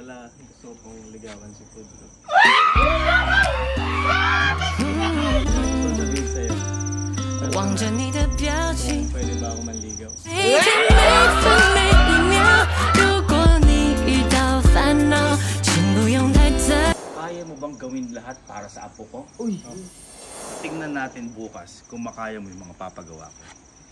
Lola, gusto ko pong ligawan si Pudlo. Gusto ko sabihin sa'yo. 望着你的表情， Pwede ba ako manligaw? 每天每分每一秒。如果你遇到烦恼，请不用太在。 Kaya mo bang gawin lahat para sa apo ko? Uy! Tingnan natin bukas kung makaya mo yung mga papagawa ko.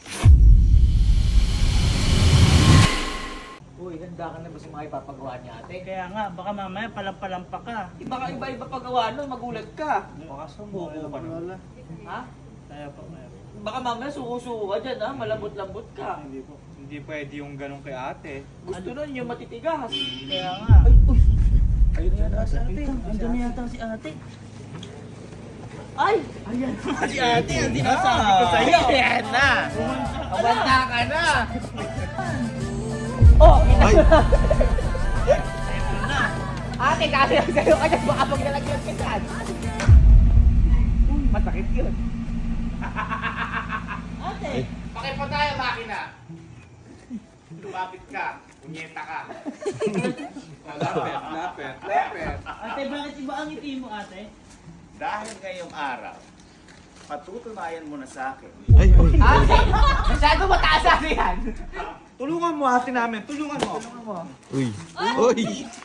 Uy, handa ka na ba sa mga ipapagawa niya ate? Kaya nga, baka mamaya palampa ka. Baka iba-iba pagawa nun, magulat ka. Baka sumuko ka na. Lola. Ha? Kaya po, kaya po. Baka mamaya suko-suko ka dyan ha, malambot-lambot ka. Hindi po. Hindi pwede yung ganun kay ate. Gusto nun yung matitigas. Kaya nga. Ayun na yata si ate. Andun na yata si ate. Ay! Ayan na si ate, ang dinasabi ko sa'yo. Ayan na! Kabanta ka na! Oh! Ay! Ate, kasi sa'yo ka dyan, baka pag nalagyan ka dyan. Uy, masakit yun. Ate! Pakipa tayo, makina! Lumapit ka, punyeta ka. Lapet. Ate, bakit iba ang ngiti mo, ate? Dahil ngayong araw, patutunayan mo na sa akin. Ate! Masyado mataas ate yan! Tulungan mo ate namin, tulungan mo. Uy! Uy!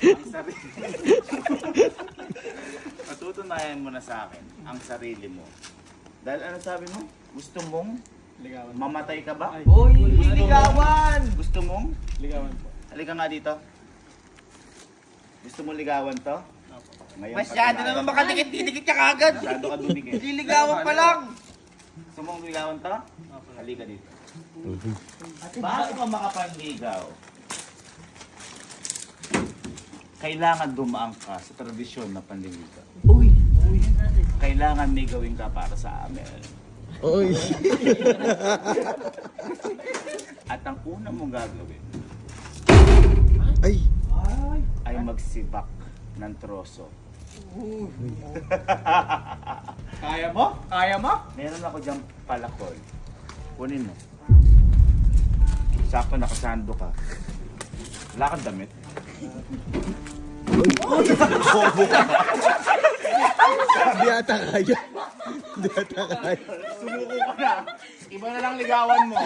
Patutunayan mo na sa akin ang sarili mo. Dahil ano sabi mo? Gusto mong Ligawan. mamatay ka ba? Uy, ligawan! Gusto mong? Ligawan po. Halika nga dito. Gusto mong ligawan to? Ngayon, Masyado patunayan. naman makadikit-dikit ka kagad. Masyado ka dumikit. Liligawan pa lang. Gusto mong ligawan to? Halika dito. Bago ka makapanligaw, kailangan dumaan ka sa tradisyon na panliligaw. Uy! Kailangan may gawin ka para sa amin. Uy! At ang una mong gagawin Ay! ay magsibak ng troso. Kaya mo? Kaya mo? Meron ako diyang palakol. Kunin mo. Sakto nakasando ka. Wala kang damit. Di ata kaya. Di ata kaya. Sumuko ka na. Iba na lang ligawan mo.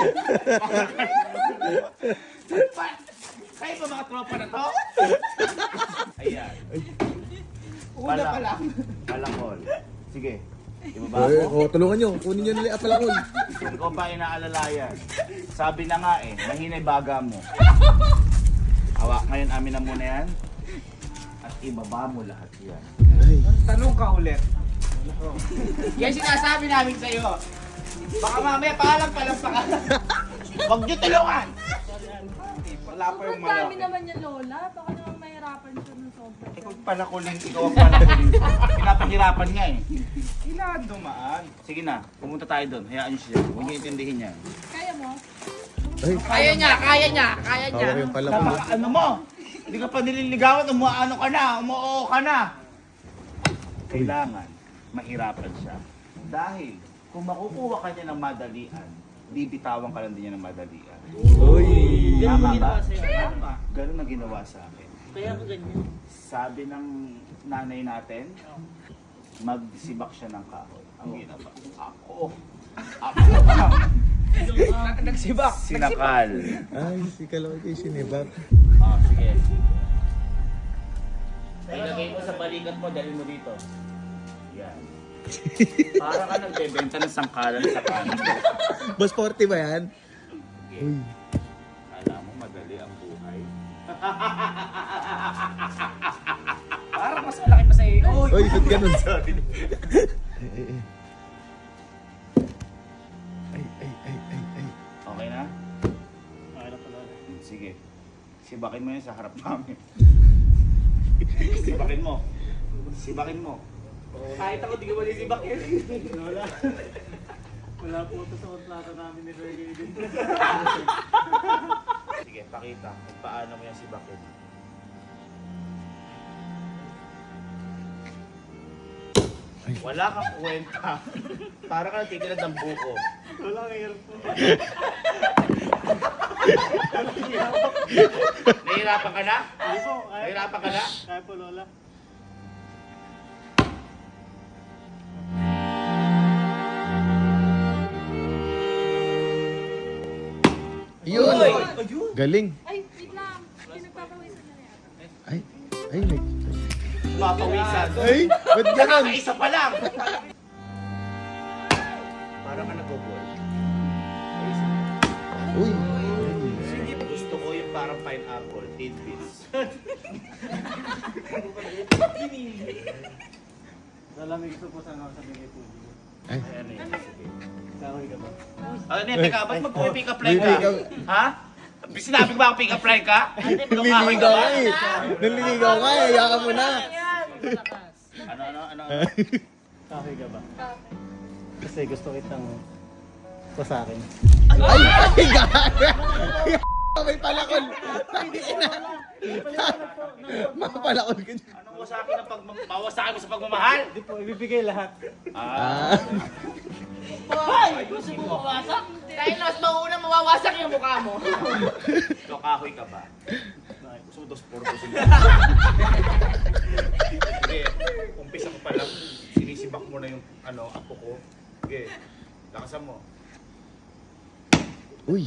Kayo ba mga tropa na to? Ayan. Una pa lang. Palakol. Sige. Ibaba Oy, mo. tulungan nyo. Kunin nyo nila apalakol. Hindi ko ba inaalalayan? Sabi na nga mahinay baga mo. Hawak ngayon amin na muna yan. At ibaba mo lahat yan. Ay. Tanong ka ulit. Yan sinasabi namin sa'yo. Baka mamaya paalam pa ka. Huwag niyo tulungan! Wala pa yung Ang dami malaki. naman niya, Lola. Baka naman mahirapan siya ng sobra. Ikaw palakulin, ikaw ang palakulin. Pinapahirapan nga Kailangan dumaan. Sige na, pumunta tayo doon. Hayaan niyo siya. Huwag niyo intindihin yan. Kaya mo? Ay. Kaya niya. Hawak yung palakol. Ano mo? Hindi ka pa nililigawan, umuano ka na, umuoo ka na. Kailangan mahirapan siya. Dahil kung makukuha ka niya ng madalian, bibitawan ka lang din niya ng madalian. Uy! Ganun mo Tama ginawa ba? sa'yo. Tama. Ganun ang ginawa sa akin. Kaya ka ganyan. Sabi ng nanay natin, magsibak siya ng kahoy. Ang ginawa. Ako. Nagsibak. Sinakal. Ay, si Kaloy kayo sinibak. Sige. Ilagay mo sa balikat mo, dali mo dito. Yan. Para ka nagbebenta ng sangkalan sa kanan. Boss 40 ba yan? Okay. Uy. Alam mo, madali ang buhay. Parang mas malaki pa sa'yo. Uy! Uy, ba't ganun? Ay. Okay na? Okay na pala. Sige. Sibakin mo yun sa harap namin. Sibakin mo. Sibakin mo. Kahit ako di ko malisibak yun. Wala po ito sa kontrata namin ni Reggie din. Sige, pakita kung paano mo yan sibakin. Wala kang kwenta. Para ka natitilad ng buko. Wala kang hirap po. Nahihirapan ka na? Hindi po, kaya. Nahihirapan ka na? Kaya po, Lola. Yun! Galing. Ay, wait lang. Pinagpapawisan na yan. Ay, ay, may... Papawisan. Ay, ba't ganon? Isa pa lang. Parang ka nag-ball. Uy. Gusto ko yung parang pineapple, tidbits. Lalamig gusto po sana ako sa bigay po. Ay, Ayan eh. Kahoy ka ba? Ano yan, teka, ba't mag-pick up line May pick ka? up. Ha? Sinabi ko ba ang pick up line ka? naliligaw ka eh. Naliligaw ka eh. Yaka mo na. Ano? Kahoy ka ba? Kasi gusto kitang sa akin. Ay, ay, gaga. May palakol. Mapalakol ka dyan. Anong wasakin na mawasakin mo sa pagmamahal? Hindi po, ibibigay lahat. Ah. Hoy! Gusto mo mawasak? Dahil mas mauna mawawasak yung mukha mo. Ikaw, kahoy ka ba? Gusto mo dos portos yun. Sige, umpisa ko pa lang. Sinisibak mo na yung apo ko. Sige, lakasan mo. Uy.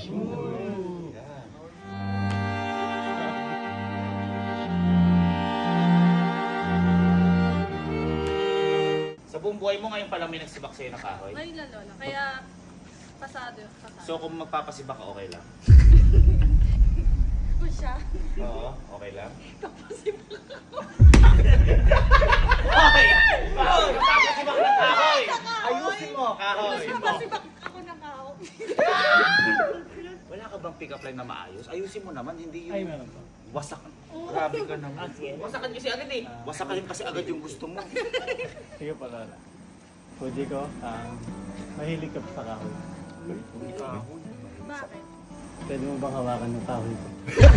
Sa buong buhay mo ngayon pa lang may nagsibak sa'yo na kahoy. Ngayon lang, Lola. Kaya, pasado. So kung magpapasibak ka, okay lang? Kung siya. Oo, okay lang? Hoy! Magpapasibak ng kahoy! Ayusin mo, kahoy! Kapasibak ako ng kao. Wala ka bang pick-up line na maayos? Ayusin mo naman, hindi Ay, yung meron po. wasak. Grabe ka naman. Wasakan kasi agad eh. Wasakahin kasi agad yung gusto mo. Sige po, Lola. Puji ko, mahilig ka pa sa kahoy. Bakit? Pwede mo bang hawakan ng kahoy ko?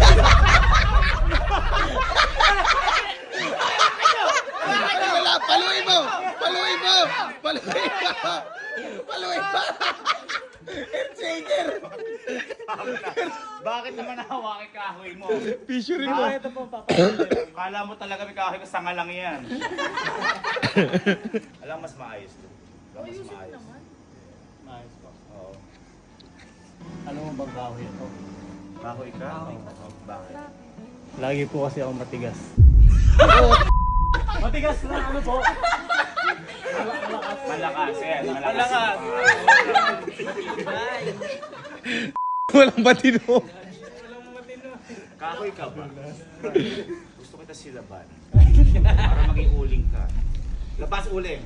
Wala, paluin mo! Paluin mo! Paluin mo! Paluin mo! Earthshaker! Bakit naman nahawakin kahoy mo? Fishery mo. Ito po, papakita. Kala mo talaga may kahoy ka, sanga lang yan. Alam, mas maayos to. Alam, mas Ayusin maayos. naman. Nice po. Oo. Ano mo bang kahoy ito? Kahoy ka? Bakit? Lagi po kasi ako matigas. Matigas na ano po? Malakas, yan. Malakas. Walang batino. Kahoy ka ba? Gusto kita silaban. Para maging uling ka. Labas uling.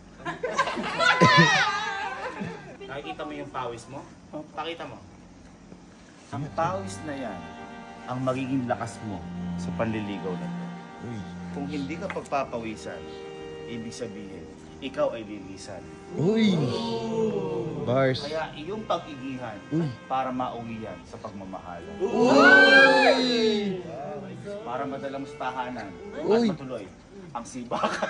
Nakikita mo yung pawis mo? Pakita mo. Ang pawis na yan, ang magiging lakas mo sa panliligaw na to. Uy. Kung hindi ka pagpapawisan, ibig sabihin, ikaw ay lilisan. Uy. Bars. Kaya iyong pag-igihan Uy. para mauwi yan sa pagmamahal. Uy. Para madala mo sa tahanan at Uy. matuloy ang sibakan.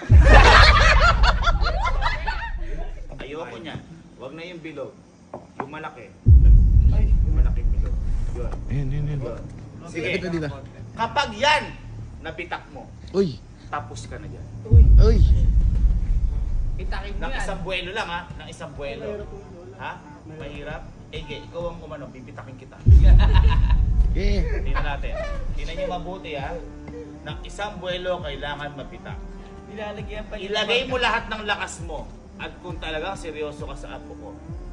Ayoko niyan. Huwag na yung bilog. Yung malaki. Yung malaking bilog. Yun. Ayan, ayan, ayan. Yun. Sige. Ito dito. Kapag yan, napitak mo, Uy. tapos ka na dyan. Uy. Itakin mo Nang yan. isang buwelo lang ha. Nang isang buwelo. Ha? Mahirap? Ege, ikaw ang umano, pipitakin kita. Yeah. Tingnan natin. Tingnan niyo mabuti ha. Nang isang buwelo kailangan mapitak. Ilalagyan pa Ilagay mo lahat ng lakas mo. At kung talagang seryoso ka sa apo ko.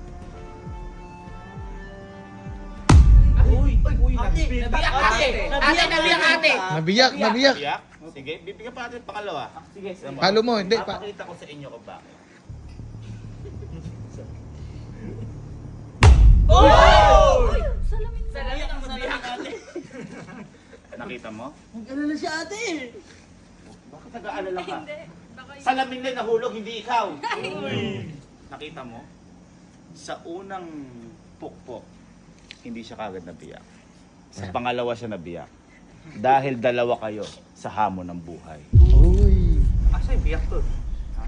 Uy! Nabiyak ate! Nabiyak ate! Nabiyak, nabiyak. Biyak? Sige, bibigyan pa natin pangalawa. Sige. Halo mo, hindi. Papakita ko sa inyo kung bakit. Salamin na. Nabiyak ang nabiyak ate. Nakita mo? Nag-alala si ate! Bakit nag-aalala ka? Hindi. Baka yun. Salamin na nahulog, hindi ikaw. Nakita mo? Sa unang pukpok, hindi siya kagad nabiyak. Sa pangalawa siya nabiyak. Dahil dalawa kayo sa hamon ng buhay. Uy. Asa yung biyak to? Ha?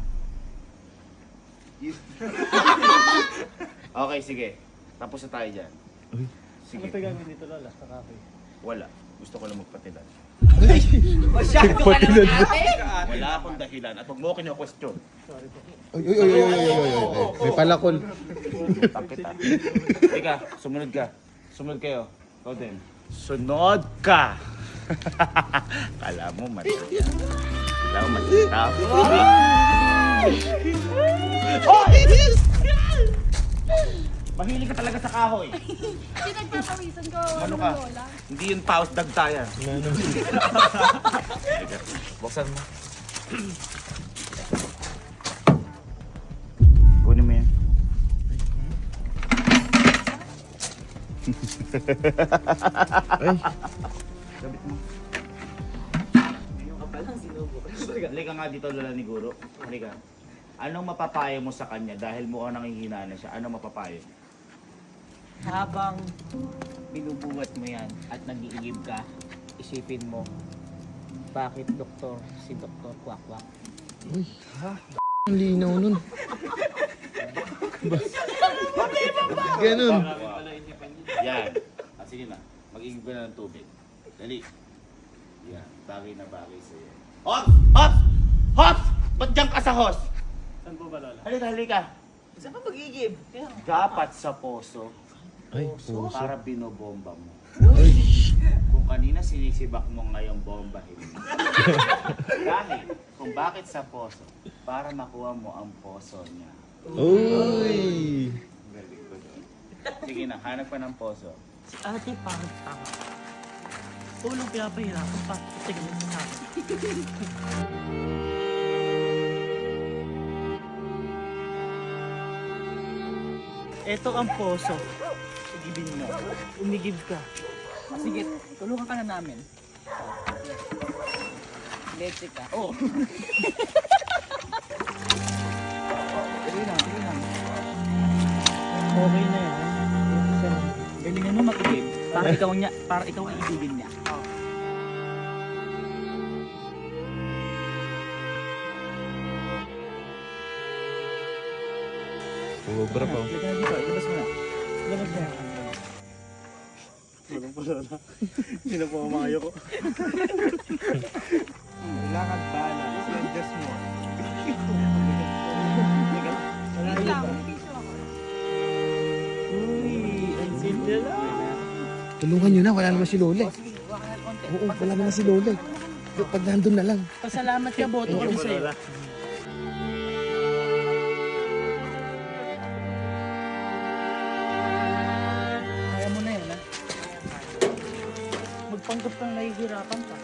Okay, sige. Tapos na tayo dyan. Uy. Sige. Ano pa gagawin dito, Lola? Sa cafe. Wala. Gusto ko lang magpatilan. Masyado ka naman ate. Wala akong dahilan at huwag mo kino-question. Sorry po. Uy, uy, uy, uy, uy, uy, uy, uy. May palakol. Utang kita. Teka, sumunod ka. Sumunod kayo. Ikaw din. Sunod ka! Kala mo mali yan. Kala mo mali. Mahilig ka talaga sa kahoy. Pinagpapawisan ko. Ano ka? Lola? Hindi yun paus dagtayan. Teka, buksan mo. Kunin mo yan. Ay, Gabit mo. Halika nga dito, Lola ni Guro. Halika. Anong mapapayo mo sa kanya dahil mukhang nanghihina na siya? Anong mapapayo? Habang binubuhat mo yan at nag-iigib ka, isipin mo, bakit doktor si Dr. Kwak-Kwak? uy. Ang linaw nun. Ganun. Yan. Ah, sige na. Mag-igib ka na ng tubig. Dali. Yan. Bagay na bagay sa'yo. Hops! Hops! Hops! Ba't dyan ka sa hos? Saan po ba, Lola? Halika, halika. Saan ka mag-iigib? Dapat sa poso Ay, puso. para binobomba mo. Ay, Kung kanina sinisibak mo ngayong bombahin mo. Dahil kung bakit sa poso, para makuha mo ang poso niya. uy. Very good. Sige na, hanap pa ng poso. Si ate pangit tama. Tulong pinapahirapan pa. Tingnan sa akin. Ito ang poso. Igibin mo. Umigib ka. Sige, tulungan ka na namin. Leche ka. Oo. Dali lang, dali lang. Okay na yan. Galingan mo mag-igib. Para ikaw ang igibin niya. Ubra pa. Halika na dito, ilabas mo na. Ilabas mo na. Walang po, Lola. Hindi na po mamayo ko. Kailangan balance. Just more. Wait lang, may tissue ako. Uy, ang simple lang. Tulungan nyo na, wala naman si Lola. eh. Sige, waka na konti. Oo, wala naman si Lola. eh. Pag nandun na lang. Pasalamat ka, boto ko din sa'yo. Lola. Kaya mo na yan, ha? Magpanggap kang nahihirapan ka.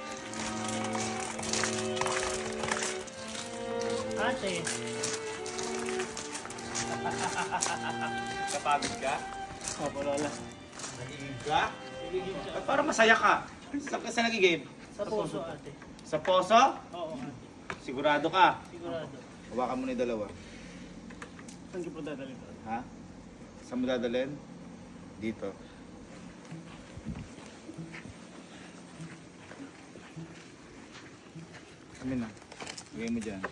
Ate, Kapagod ka? Opo, Lola. Nagigib ka? Ba't parang masaya ka? Saan ka nagigib? sa puso, ate. Sa poso? Oo, ate. Sigurado ka? Sigurado. Hawakan mo na yung dalawa. Saan ko po dadalhin, Lola? Ha? Saan mo dadalhin? Dito. Amin na. Lagay mo dyan.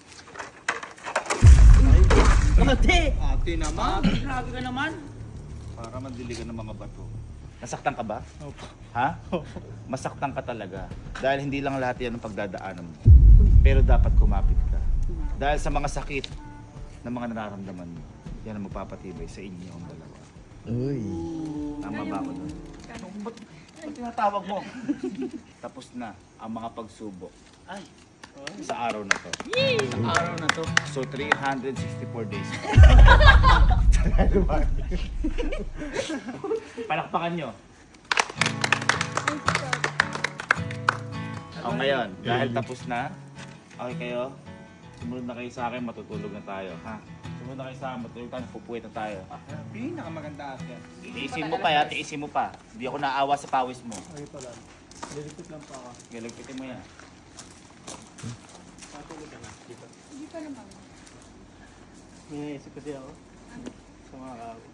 Ate! Ate naman. Grabe ka naman. Para mandiligan ng mga bato. Nasaktan ka ba? Opo. Ha? Masaktan ka talaga. Dahil hindi lang lahat yan ang pagdadaanan mo. Pero dapat kumapit ka. Dahil sa mga sakit na mga nararamdaman mo, yan ang magpapatibay sa inyo ang dalawa. Uy. Tama ba ako doon? Ba't tinatawag mo? Tapos na ang mga pagsubok Ay, sa araw na to. sa araw na to. So 364 days. Palakpakan nyo. O ngayon, dahil tapos na, okay kayo? Sumunod na kayo sa akin, matutulog na tayo. Ha? Sumunod na kayo sa akin, matutulog tayo, pupuwit na tayo. Pinakamaganda ate. Tiisin mo pa, ya, tiisin mo pa. Hindi ako naawa sa pawis mo. Okay po, Lola. Liligpit lang po ako. Galagpitin mo yan. Matulog ka na. Dito. Hindi pa naman. May naisip kasi ako. Sa mga kaawit.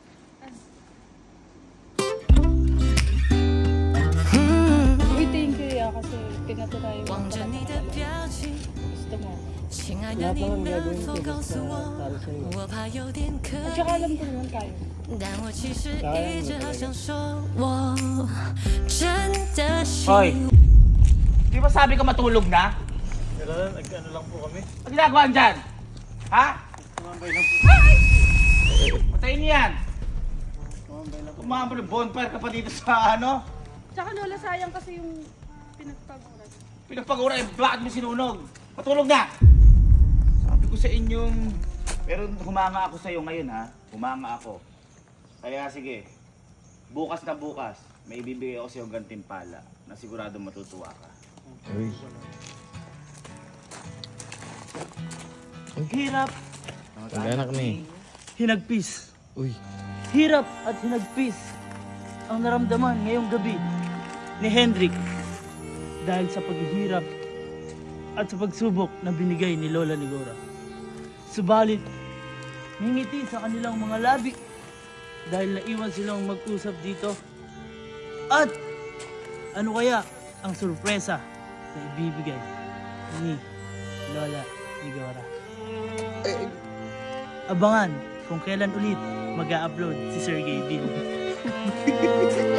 Uy, thank you ya kasi pinatira yung 望着你的表情， gusto mo. 亲爱的，你能否告诉我？我怕有点可 At saka 疑， alam ko naman kayo. 但我其实一直好想说，我真的喜 Hoy! Di ba sabi ka matulog na? Pero nag-ano lang po kami. Ano ginagawa dyan? Ha? Tumambay lang po. Patayin niyo yan! Tumambay lang po. Kumambay, bonfire ka pa dito sa ano? Tsaka Lola, sayang kasi yung pinagpaguran. Pinagpagura, eh, bakit mo sinunog? Matulog na! Sabi ko sa inyong... Pero humanga ako sa'yo ngayon ha. Humanga ako. Kaya sige, bukas na bukas, may ibibigay ako sa'yo gantimpala na sigurado matutuwa ka. Uy. Hirap, Mag-anak na eh. hinagpis. Uy. Hirap at hinagpis ang naramdaman ngayong gabi ni Hendrik dahil sa paghihirap at sa pagsubok na binigay ni Lola Ligora. Subalit, ngingiti sa kanilang mga labi dahil naiwan silang mag-usap dito. At ano kaya ang sorpresa na ibibigay ni Lola Ligora? Abangan kung kailan ulit mag-a-upload si Sergey Bill.